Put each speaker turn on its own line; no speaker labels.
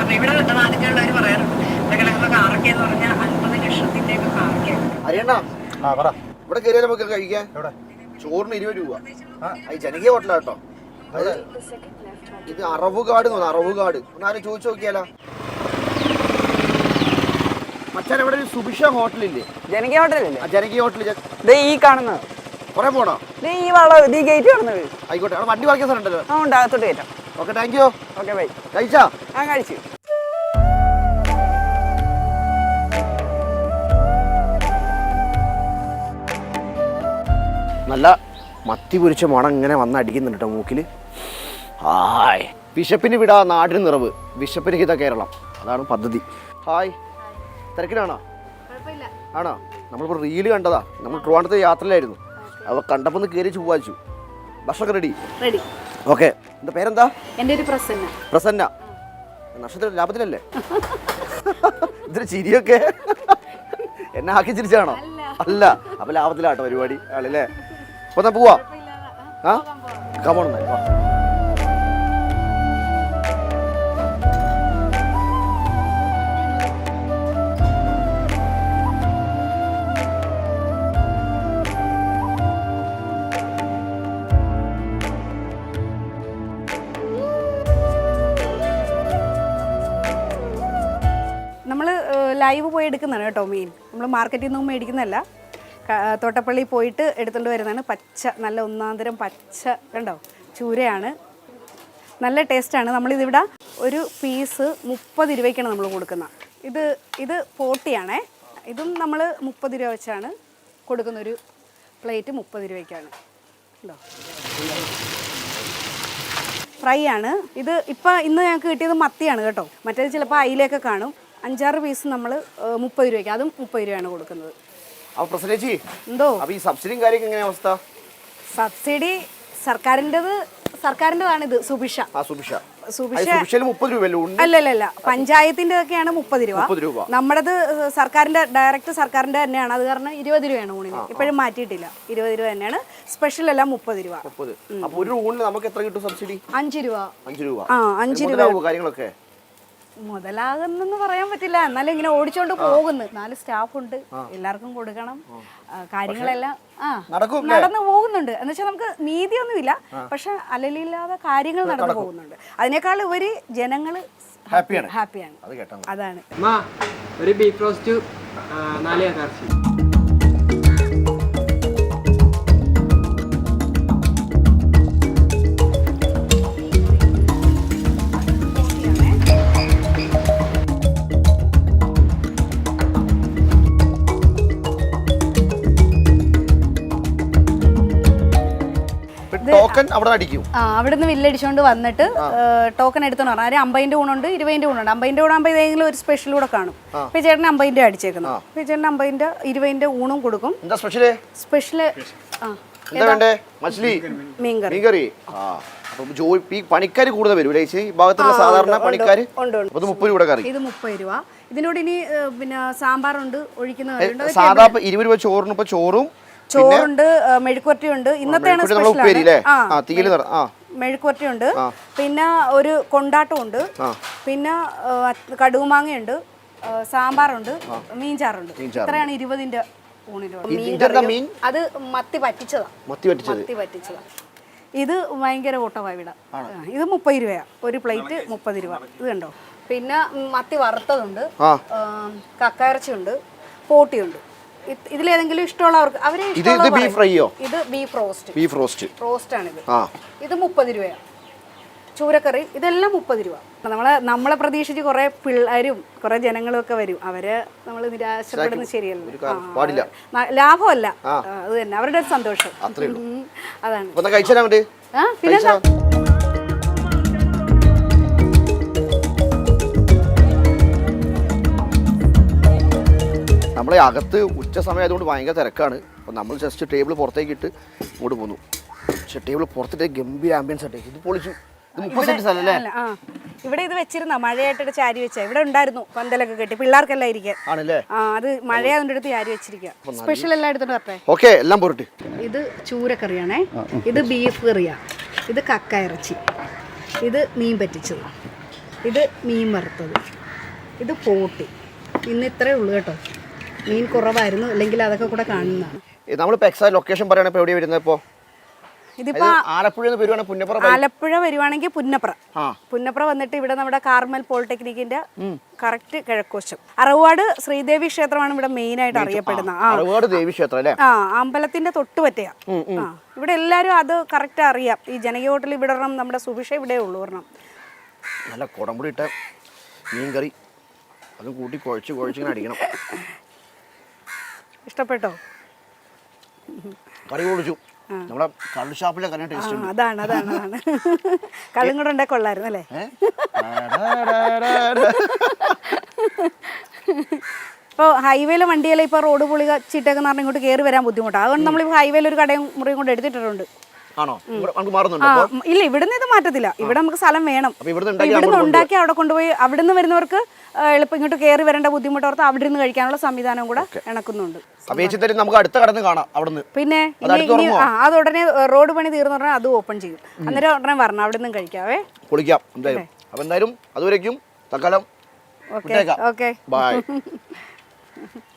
അപ്പൊ ഇവിടെ നാട്ടിലുള്ളവർ പറയാറുണ്ട് ഇതൊക്കെ കാറൊക്കെയെന്ന് പറഞ്ഞാൽ 50 ലക്ഷത്തിന്റെയൊക്കെ കാറൊക്കെയാണ്.
അറിയണ്ടാ ഇവിടെ കയറിയാൽ നമുക്ക് കഴിക്കാൻ ചോറിന് 20 രൂപ. ജനകീയ ഹോട്ടലാട്ടോ. ഇത് അറവുകാട് അറവുകാട് ഒന്നാരും ചോദിച്ചു നോക്കിയാലോ. മച്ചാൻ ഇവിടെ ഒരു സുഭിക്ഷ ഹോട്ടലില്ലേ?
ജനകീയ ഹോട്ടലല്ലേ?
ജനകീയ ഹോട്ടൽ
ഈ കാണുന്നത്
കുറെ പോണോ?
ഈ വളം ഈ ഗേറ്റ് കാണുന്നത്.
ആയിക്കോട്ടെ, അവിടെ വണ്ടി വാങ്ങിയ സ്ഥലം ഉണ്ടല്ലോ.
ആ ഉണ്ട്, അകത്തോട്ട് കയറ്റാം.
Okay, thank you.
Okay bye.
കഴിച്ചാ?
ആ കഴിച്ചു.
നല്ല മത്തി പൊരിച്ച മണം ഇങ്ങനെ വന്ന് അടിക്കുന്നുണ്ട് കേട്ടോ മൂക്കിൽ. ഹായ്, വിശപ്പിന് വിടാ നാടിന് നിറവ്, വിശപ്പിന് ഹിത കേരളം, അതാണ് പദ്ധതി. ഹായ്, തിരക്കിലാണോ? ആണോ? നമ്മളിപ്പോൾ റീല് കണ്ടതാ. നമ്മൾ ട്രിവാൻഡ്രത്തെ യാത്രയിലായിരുന്നു. അവ കണ്ടപ്പോൾ ഒന്ന് കയറി ചൊവ്വാച്ചു. ഭക്ഷണമൊക്കെ റെഡി?
റെഡി.
ഓക്കെ, എന്താ പേരെന്താ?
എൻ്റെ ഒരു പ്രസന്ന.
പ്രസന്ന. നക്ഷത്ര ലാഭത്തിലല്ലേ? ഇതിന് ചിരിയൊക്കെ എന്നെ ആക്കി ചിരിച്ചാണോ? അല്ല, അപ്പൊ ലാഭത്തിലാട്ടോ പരിപാടി ആളല്ലേ. അപ്പൊ എന്നാ പോവാ? ആ കമോൺ.
നമ്മൾ ലൈവ് പോയി എടുക്കുന്നതാണ് കേട്ടോ മീൻ. നമ്മൾ മാർക്കറ്റിൽ നിന്നും മേടിക്കുന്നതല്ല, തോട്ടപ്പള്ളി പോയിട്ട് എടുത്തുകൊണ്ട് വരുന്നതാണ്. പച്ച, നല്ല ഒന്നാന്തരം പച്ച കണ്ടോ, ചൂരയാണ്. നല്ല ടേസ്റ്റാണ്. നമ്മളിതിവിടെ ഒരു പീസ് 30 രൂപയ്ക്കാണ് നമ്മൾ കൊടുക്കുന്നത്. ഇത് 40 ആണേ. ഇതും നമ്മൾ 30 രൂപ വെച്ചാണ് കൊടുക്കുന്നൊരു പ്ലേറ്റ്. 30 രൂപയ്ക്കാണ് കേട്ടോ. ഫ്രൈ ആണ് ഇത്. ഇന്ന് ഞങ്ങൾക്ക് കിട്ടിയത് മത്തിയാണ് കേട്ടോ. മറ്റേത് ചിലപ്പോൾ അയിലൊക്കെ കാണും. 5-6 പീസ് നമ്മൾ 30 രൂപയ്ക്ക്, അതും 30 രൂപയാണ് കൊടുക്കുന്നത്.
എന്തോ ഈ സബ്സിഡിയും കാര്യമൊക്കെ എങ്ങനെയാ അവസ്ഥ?
സബ്സിഡി സർക്കാരിൻ്റെതാണ്. ഇത് സുഭിക്ഷ. അല്ലല്ല, പഞ്ചായത്തിൻ്റെതൊക്കെയാണ് 30 രൂപ. നമ്മുടേത് ഡയറക്റ്റ് സർക്കാരിൻ്റെ തന്നെയാണ്. അത് കാരണം 20 രൂപയാണ് ഊണിന്. ഇപ്പോഴും മാറ്റിയിട്ടില്ല, 20 രൂപ തന്നെയാണ്. സ്പെഷ്യൽ എല്ലാം 30 രൂപ. 5 രൂപ. ആ, 5 രൂപ.
കാര്യങ്ങളൊക്കെ
മുതലാകുന്നെന്ന് പറയാൻ പറ്റില്ല. എന്നാലും ഇങ്ങനെ ഓടിച്ചോണ്ട് പോകുന്നു. 4 സ്റ്റാഫുണ്ട്, എല്ലാവർക്കും കൊടുക്കണം. കാര്യങ്ങളെല്ലാം നടന്നു പോകുന്നുണ്ട്. എന്ന് വെച്ചാൽ നമുക്ക് നീതിയൊന്നുമില്ല, പക്ഷെ അലലില്ലാതെ കാര്യങ്ങൾ നടന്നു പോകുന്നുണ്ട്. അതിനേക്കാൾ ഉപരി ജനങ്ങൾ ഹാപ്പിയാണ്. അതാണ്.
ഒരു ബീഫ് റോസ്റ്റ് 4 ഇറച്ചി.
ടോക്കൺ അവിടെ അടിക്കും.
അവിടുന്ന് വില്ലടിച്ചോണ്ട് വന്നിട്ട് ടോക്കൺ എടുത്തെന്ന് പറഞ്ഞാൽ 50-ന്റെ ഊണുണ്ട്, 20-ന്റെ ഊണുണ്ട്. 50-ന്റെ ഊണാകുമ്പോൾ ഏതെങ്കിലും ഒരു സ്പെഷ്യൽ കൂടെ കാണും. ഇപ്പൊ ചേട്ടന് 50-ന്റെ അടിച്ചേക്കുന്നു. ഇപ്പൊ ചേട്ടന് 50-ന്റെ 20-ന്റെ ഊണും കൊടുക്കും. സ്പെഷ്യല് മീൻകറി.
പണിക്കാർ കൂടുതൽ വരും ഈ ഭാഗത്തുള്ള സാധാരണ പണിക്കാർ. ഇത് 30 രൂപ കറി.
ഇത് 30 രൂപ. ഇതിനോട് ഇനി പിന്നെ സാമ്പാറുണ്ട്, ഒഴിക്കുന്ന
സാധാ 20 രൂപ ചോറിന്. ഇപ്പൊ
ചോറുണ്ട്, മെഴുക്കുവരട്ടിയുണ്ട്. ഇന്നത്തെയാണ് മെഴുക്കുവരട്ടിയുണ്ട്. പിന്നെ ഒരു കൊണ്ടാട്ടമുണ്ട്, പിന്നെ കടുകുമാങ്ങയുണ്ട്, സാമ്പാറുണ്ട്, മീൻചാറുണ്ട്. ഇത്രയാണ് 20-ന്റെ ഊണിലുള്ള. അത് മത്തി പറ്റിച്ചതാ. ഇത് ഭയങ്കര കൂട്ടമാണ് ഇവിടെ. ഇത് 30 രൂപയാ ഒരു പ്ലേറ്റ്. 30 രൂപ. ഇത് കണ്ടോ. പിന്നെ മത്തി വറുത്തതുണ്ട്, കക്കയിറച്ചിയുണ്ട്, പോട്ടിയുണ്ട്. ഇതിലേതെങ്കിലും ഇഷ്ടമുള്ളവർക്ക് ഇത് ബീഫ് റോസ്റ്റ് ആണ്. ഇത് 30 രൂപയാണ്. ചൂരക്കറി ഇതെല്ലാം 30 രൂപ. നമ്മളെ പ്രതീക്ഷിച്ച് കുറെ പിള്ളേരും കുറെ ജനങ്ങളും ഒക്കെ വരും. അവരെ നമ്മൾ നിരാശപ്പെടുന്നത് ശരിയല്ല, ലാഭമല്ല. അത് തന്നെ അവരുടെ ഒരു സന്തോഷം. അതാണ്. പിന്നെന്താ,
നമ്മളെ അകത്ത് ഉച്ച സമയം ആയതുകൊണ്ട് ഭയങ്കര തിരക്കാണ്. അപ്പോൾ നമ്മൾ ജസ്റ്റ് ടേബിൾ പുറത്തേക്ക് ഇട്ട് ഇങ്ങോട്ട് പോന്നു. പക്ഷേ ടേബിൾ പുറത്തിട്ട് ഗംഭീര ആംബിയൻസ് ആട്ടെ. ഇത് പൊളിച്ചു.
ഇവിടെ ഇത് വെച്ചിരുന്ന മഴയായിട്ട് ചാരി വെച്ച ഇവിടെ ഉണ്ടായിരുന്നു. പന്തലൊക്കെ കെട്ടി പിള്ളേർക്കെല്ലാം ഇരിക്കാൻ. അത് മഴയായതുകൊണ്ട് എടുത്ത് ചാരി വെച്ചിരിക്കുക. സ്പെഷ്യൽ എല്ലാം എടുത്തോണ്ട് വരട്ടെ.
ഓക്കെ, എല്ലാം പോരട്ടെ.
ഇത് ചൂരക്കറിയാണേ. ഇത് ബീഫ് കറിയാ. ഇത് കക്ക ഇറച്ചി. ഇത് മീൻ പറ്റിച്ചത്. ഇത് മീൻ വറുത്തത്, ഇത് പോട്ടി. ഇന്ന് ഇത്രയേ ഉള്ളൂ കേട്ടോ. മീൻ കുറവായിരുന്നു, അല്ലെങ്കിൽ അതൊക്കെ കൂടെ കാണുന്നതാണ്.
നമ്മളിപ്പോൾ എക്സാക്ട് ലൊക്കേഷൻ പറയുകയാണെങ്കിൽ ഇപ്പോൾ എവിടെയാണ് വരുന്നത്? ഇപ്പോൾ
ഇതിപ്പോ
ആലപ്പുഴ വരുവാണെങ്കിൽ പുന്നപ്ര.
ആലപ്പുഴ വരുവാണെങ്കിൽ പുന്നപ്ര വന്നിട്ട് ഇവിടെ നമ്മുടെ കാർമൽ പോളിടെക്നിക്കിന്റെ കറക്റ്റ് കിഴക്കോശം. അറവാട് ശ്രീദേവി ക്ഷേത്രമാണ് ഇവിടെ മെയിൻ ആയിട്ട് അറിയപ്പെടുന്നത്.
അറവാട് ദേവി ക്ഷേത്രം അല്ലേ?
അമ്പലത്തിന്റെ തൊട്ട് പറ്റിയ. ഇവിടെ എല്ലാരും അത് കറക്റ്റ് അറിയാം. ഈ ജനകീയ ഹോട്ടൽ ഇവിടെ ഒരെണ്ണം, നമ്മുടെ സുഭിഷ ഇവിടെ ഉള്ളൂ ഒരെണ്ണം.
നല്ല കുടംപുടി ഇട്ട മീൻ കറി, അത് കൂട്ടി കുഴച്ചിങ്ങനെ അടിക്കണം.
ഇഷ്ടപ്പെട്ടോ?
കറി പൊളിച്ചു. നമ്മുടെ കള്ളുഷാപ്പിലെ കറി ടേസ്റ്റ് ഉണ്ട്.
അതാണ് കള്ളും കൂടെ ഉണ്ടാക്കി കൊള്ളായിരുന്നു അല്ലേ? ഇപ്പോൾ ഹൈവേയിലെ വണ്ടിയിൽ ഇപ്പോൾ റോഡ് പൊളിച്ചിട്ടൊക്കെ പറഞ്ഞാൽ ഇങ്ങോട്ട് കയറി വരാൻ ബുദ്ധിമുട്ടാണ്. അതുകൊണ്ട് നമ്മളിപ്പോൾ ഹൈവേയിൽ ഒരു കടയും മുറിയും കൊണ്ട് എടുത്തിട്ടുണ്ട്. ഇല്ല, ഇവിടുന്ന് ഇത് മാറ്റത്തില്ല. ഇവിടെ നമുക്ക് സ്ഥലം വേണം. ഇവിടുന്ന് ഉണ്ടാക്കി അവിടെ കൊണ്ടുപോയി അവിടുന്ന് വരുന്നവർക്ക് എളുപ്പം ഇങ്ങോട്ട് കയറി വരേണ്ട ബുദ്ധിമുട്ടോർത്ത് അവിടെ നിന്ന് കഴിക്കാനുള്ള സംവിധാനം കൂടെ ഇണക്കുന്നുണ്ട്. പിന്നെ അത് ഉടനെ റോഡ് പണി തീർന്നു പറഞ്ഞാൽ അത് ഓപ്പൺ ചെയ്യും. അന്നേരം ഉടനെ വരണം, അവിടെ നിന്നും കഴിക്കാവേ.
പൊളിക്കാം എന്തായാലും. അപ്പോൾ എന്തായാലും അതുവരേക്കും തൽക്കാലം
ഓക്കെ.